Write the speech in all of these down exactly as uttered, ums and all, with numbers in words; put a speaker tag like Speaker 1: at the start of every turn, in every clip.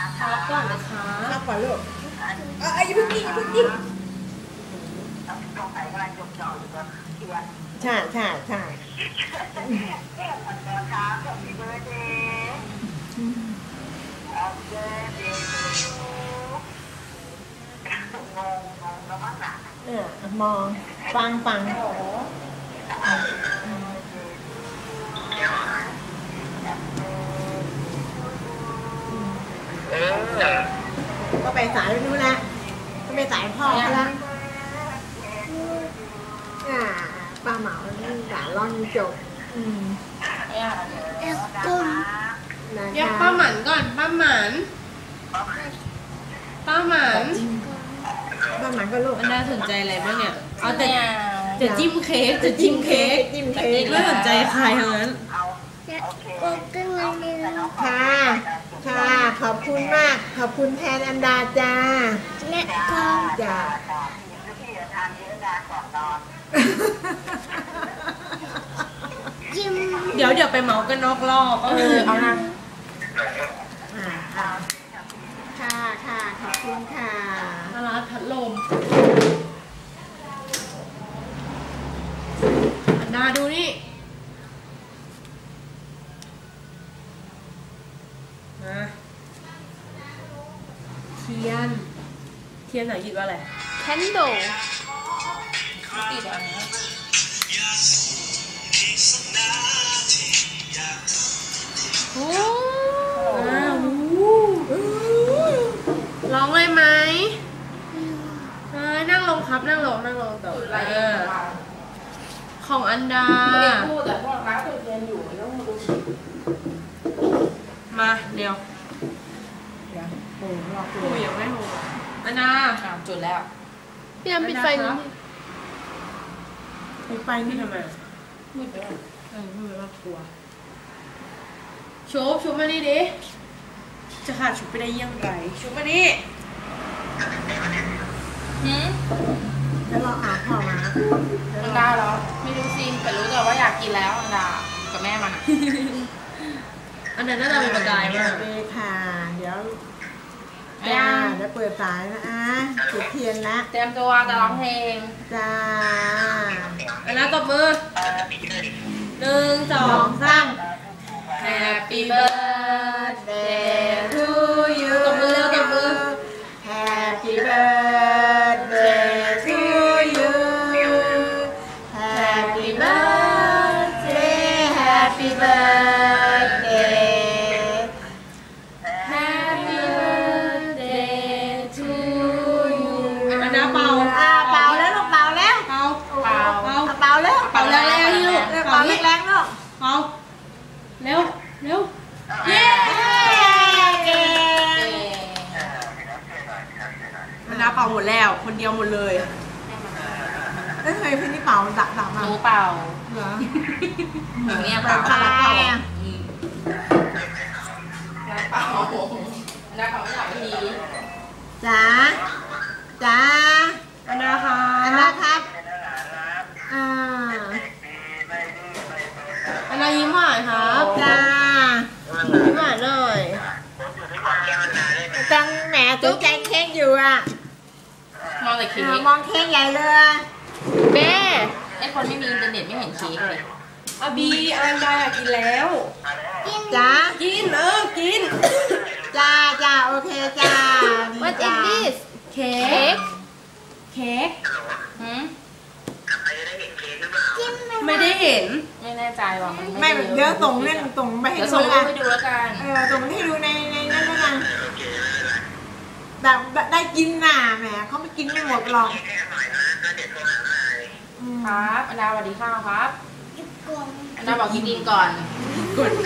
Speaker 1: ครับก่อนนะคะ
Speaker 2: ครับก่อนลูกเอ้ยอย่าเพิ่งกินอย่าเพิ่งกินใช่ใช่ใช่เออมองฟังฟังก็ไปสายไปนู้นละก็ไปสายพ่อเขาละอ่าป้าเหมาด่าล่อนจบอืมเอ็กซ์กุ้ง
Speaker 1: เรียกป้าหมันก่อนป้าหมันป้าหมัน
Speaker 2: ป้าหมันก็ลูก
Speaker 1: มันน่าสนใจอะไรบ้างเนี่ยเอาแต่จะจิ้มเค้กจะจิ้มเค้ก
Speaker 2: จิ้มเค้ก
Speaker 1: ไม่สนใจใครทั้งนั้น
Speaker 2: ค่ะค่ะขอบคุณมากขอบคุณแทนอันดาจ้าและก็จ้า
Speaker 1: เดี๋ยวเดี๋ยวไปเมากันนอกรอบเออเอานะ
Speaker 2: ค่ะค่ะขอบคุณค่ะ
Speaker 1: มาลาพัดลมอันดาดูนี่นะเทียนเทียนไหนคิดว่าอะไร
Speaker 3: Candle
Speaker 1: ติดอันนี้โอ้ร้องเลยไหมนั่งลงครับนั่งลงนั่งลงต่อเออของอันดาพูดแต่พวกร้านตัวเทียนอยู่ต้องดูมาเดี๋ยว
Speaker 2: เดี๋ยวโอ้รอคุ
Speaker 1: ยยังไม่โหอันดาจุดแล้ว
Speaker 3: พี่น้ำปิดไฟนิดนึง
Speaker 2: ปิดไฟนี่ทำไม
Speaker 1: มืดไปแล้วเออมืดไปแล้วกลัวชุบชุบมานี่ดิจะขาดชุบไปได้ยังไงชุบมานี่หืม
Speaker 2: แล้วเราอาพ่อมา
Speaker 1: อันดาเหรอไม่รู้สิแต่รู้แต่ว่าอยากกินแล้วอันดากับแม่มันอันนั้นน่าจะเป็นประกายมาก
Speaker 2: เลยค่ะเดี๋ยวจ้าเดี๋ยวเปิดสายนะอ่ะจุดเทียนละ
Speaker 1: เตรียมตัวจะร้องเพลง
Speaker 2: จ้า
Speaker 1: อันนั้นตบมือหนึ่งสองสาม Happy birthday to you ตบมือเร็วตบมือ
Speaker 2: Happy birthday to you Happy birthday Happy birthday
Speaker 1: Happy birthday to you อันนั้นเป่า
Speaker 2: อ่าเป่าแล้วลูกเป่าแล้ว
Speaker 1: เป่าเป่าเป่า
Speaker 2: เป่าแล้ว
Speaker 1: เป่าแรงๆนี่ลูก
Speaker 2: เป่าแรงๆลูก
Speaker 1: เป่าเร็วเร็วเย้มันน้าเป่าหมดแล้วคนเดียวหมดเลย
Speaker 2: เอ้ยเคยพี่นี่เป่าดับดับมา
Speaker 1: หนูเป่า
Speaker 2: เหรอ
Speaker 1: หนูเนี่ยเป่าเป่าเป่าเป่าน้าเป่าไม่หลับที
Speaker 2: จ้าจ้า
Speaker 1: อันนาค่ะ
Speaker 2: อันนาครับอ่า
Speaker 1: อันนายิ้มหวานครับ
Speaker 2: จ้า
Speaker 1: ยิ้มหวานหน่อย
Speaker 2: จังแหมสนใจเค้กอยู่อ่ะ
Speaker 1: มองแต่เค้ก
Speaker 2: มองเค้กใหญ่เลย
Speaker 3: แม่
Speaker 1: ไอคนไม่มีอินเทอร์เน็ตไม่เห็นเค้กเลยอาบีอันดาอยากกินแล้ว
Speaker 2: จ้า
Speaker 1: กินเออกิน
Speaker 2: จ้าจ้าโอเคจ้า
Speaker 3: What is this
Speaker 1: เค้กเค้กหืมไม่ได้เห็นไม่แน่ใจว่ามัน
Speaker 2: ไม่เดี๋ยวส่งเล่นส่งไปให้ดู
Speaker 1: แล้วกันให้ดูแล้วกัน
Speaker 2: เออส่งให้ดูในในนั้นแล้วกันแบบได้กินน่ะแหมเขาไม่กินไม่หมดหรอก
Speaker 1: ครับอันดาสวัสดีค่ะครับอันดาบอกกินดินก่อนกด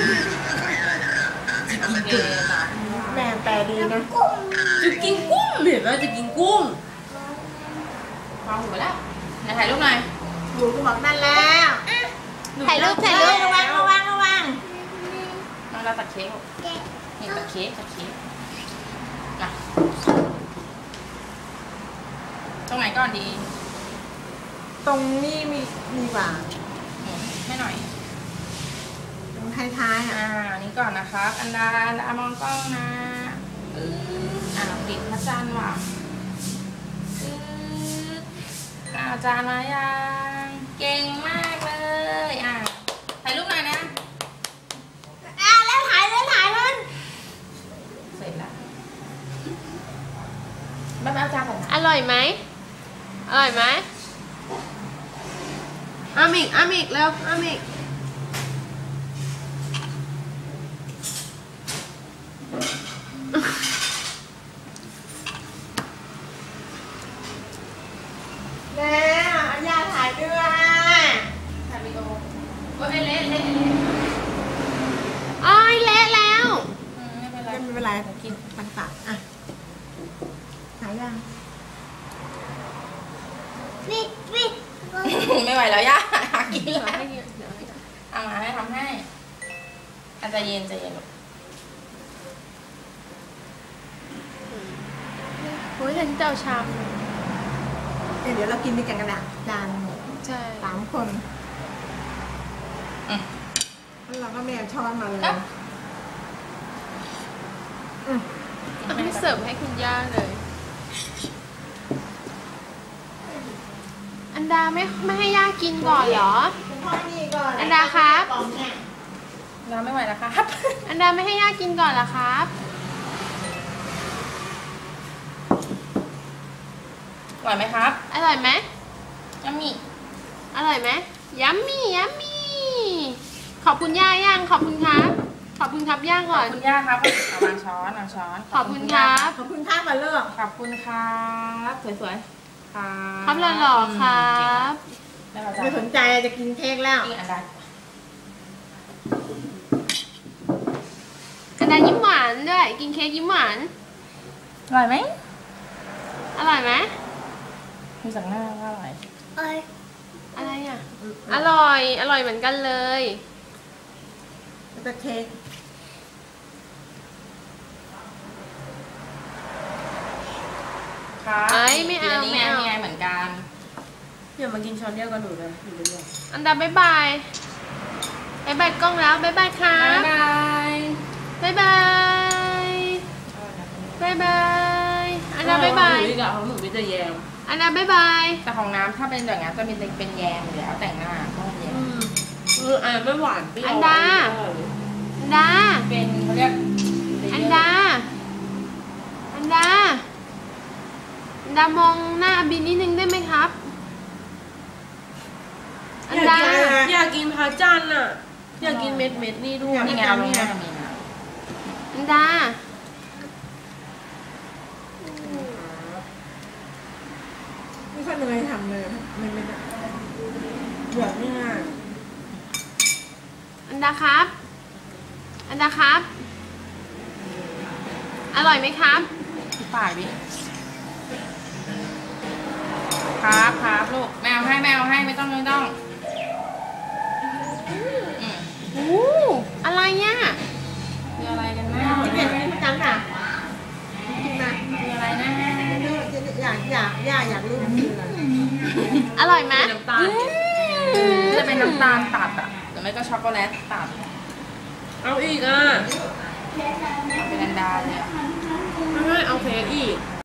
Speaker 2: แม่แปลดีนะ
Speaker 1: จะกินกุ้งเห็นไหมจะกินกุ้งฟังหูไปแล้วไหนถ่ายรูปหน่อย
Speaker 2: หูก็บอกนั่นแล้ว
Speaker 3: ถ่ายรูปถ่ายรูประ
Speaker 2: วังระวังระวัง
Speaker 1: น้องเราตัดเค้กนี่ตัดเค้กตัดเค้กนะตรงไหนก่อนดี
Speaker 2: ตรงนี้มีมีกว่า
Speaker 1: ให้หน่อย
Speaker 2: ตรงท้ายๆอ่ะ
Speaker 1: อ่านี้ก่อนนะครับอันดาอันดามองกล้องนะปึ๊บอ่าปิดพระจันทร์ว่ะปึ๊บอ่าจานมายังเก่งมากเลยอ่ะถ่ายรูปหน่อยนะ
Speaker 2: อ่ะแล้วถ่ายแล้วถ่ายมัน
Speaker 1: เสร็จแล้วแม่แม่เอาจานก่อนนะ
Speaker 3: อร่อยไหมอร่อยไหม
Speaker 2: อามิกอามิกแล้วอามิกแล้วย่าถ่ายด้วย
Speaker 1: ถ่ายวิดีโอว่าเละเละเละเละ
Speaker 3: อ้อยเละแล้ว
Speaker 1: อืมไม่เป็นไร
Speaker 2: ไม่เป็นไรกินปันปากอ่ะถ่ายยังวิดวิด
Speaker 1: ไม่ไหวแล้วย่าหากิน
Speaker 3: เดี๋ยว
Speaker 1: แล้ว
Speaker 3: ให้เดี๋ยวให้
Speaker 1: เอามาให้ทำให้อาจจะเย็นใจเย็นลูก
Speaker 3: โอ้ยฉันเจ้าชาม
Speaker 2: เดี๋ยวเรากินด้วยกันกระดาษจานหนึ่ง
Speaker 3: ใช่
Speaker 2: สามคน
Speaker 1: อืม
Speaker 2: แล้วเราก็ไม่เอาช้อนมาเลย
Speaker 1: ครับ
Speaker 2: อืม
Speaker 3: เอาให้เสิร์ฟให้คุณย่าเลย อันดาไม่ไม่ให้ย่ากินก่อนเหรอ
Speaker 2: คุณพ่อนี่ก่อน
Speaker 3: อันดาครับ
Speaker 2: กล่องเนี่ย
Speaker 1: เราไม่ไหวแล้วครับ
Speaker 3: อันดาไม่ให้ย่ากินก่อนเหรอครับ
Speaker 1: ไหวไหมครับ
Speaker 3: อร่อยไหม
Speaker 1: ยังมี
Speaker 3: อร่อยไหมยัมมี่ยัมมี่ขอบคุณย่าย่างขอบคุณครับ ขอบคุณครับย่าง
Speaker 1: ข
Speaker 3: ก่
Speaker 1: อ
Speaker 3: อบ น
Speaker 1: คุณย่าครับเอาวางช้อนวางช้อน
Speaker 3: ขอบคุณครับ
Speaker 2: ขอบคุณข้าวมาเลิก
Speaker 1: ขอบคุณครับสวยๆครับ
Speaker 3: ครับหล่อๆครับ
Speaker 1: แล้วเราจะ
Speaker 2: ไม่สนใจจะกินเค้กแล้ว
Speaker 1: กินอันใด
Speaker 3: อันดายิ้มหวานด้วย กินเค้กยิ้มหวาน
Speaker 1: อร่อยไหม
Speaker 3: อร่อยไหม
Speaker 1: ดูจากหน้าก็อร่อย
Speaker 3: อะไรอ่ะ อร่อย อร่อยเหมือนกันเลย
Speaker 2: แล้วก็เค้ก
Speaker 1: ครับ
Speaker 3: เอ้ยไม่เอา
Speaker 1: นี่
Speaker 3: ไม่
Speaker 1: ไง
Speaker 3: เอา
Speaker 1: นี่ไงเหมือนกัน
Speaker 2: อย่ามากินช้อนเดียวกันหนูเลยอยู่เรื่อย
Speaker 3: อันดาบ๊ายบายบ๊ายบายกล้องแล้วบ๊ายบายครั
Speaker 1: บ๊าย
Speaker 3: บบ
Speaker 1: าย
Speaker 3: บ๊ายบายบ๊ายบายอันดาบ๊ายบาย
Speaker 4: หนูกับของหนูมีแต่แยม
Speaker 3: อันดาบ๊ายบาย
Speaker 1: แต่ของน้ำถ้าเป็นอย่างนั้นจะมีเป็นแยมอยู่แล้วแต่งหน้าก็แยม
Speaker 4: เอออันไม่หวานเปรี้ยว
Speaker 3: อันดา อันดา
Speaker 1: เป็นเขาเรียก
Speaker 3: อันดา อันดา อันดามองหน้าบินนิดนึงได้ไหมครับ อันดา
Speaker 4: อยากกินพาจันอ่ะ อยากกินเม็ดเม็ดๆนี่ด้วย
Speaker 1: นี่ไงเอาลงหน้ามีนะ
Speaker 3: อันดา
Speaker 2: ๆไม่ค่อยเหนื่อยทำเลยไม่ไม่ได้เบื่อง่าย
Speaker 3: อันดาครับ อันดาครับ อร่อยไหมครับ
Speaker 1: ที่ปากดิครับครับลูกแมวให้แมวให้ไม่ต้องไม่ต้องอืม
Speaker 3: โอ้อะไรเนี่ย
Speaker 1: คืออะไรกันนะ
Speaker 2: ๆกินเป็นประจำอ่ะกินมา
Speaker 1: คืออะไรนะ
Speaker 2: อยากอยากอยากอยากรู้มันคืออะไร
Speaker 3: อร่อยไหม
Speaker 4: น้ำตาล
Speaker 1: จะเป็นน้ำตาลตัดอ่ะหรือไม่ก็ช็อกโกแลตตัด
Speaker 4: เอาอีกอ่ะ
Speaker 1: เป็นอันดาเลยอะ
Speaker 4: ไม่ให้เอาเค้กอีก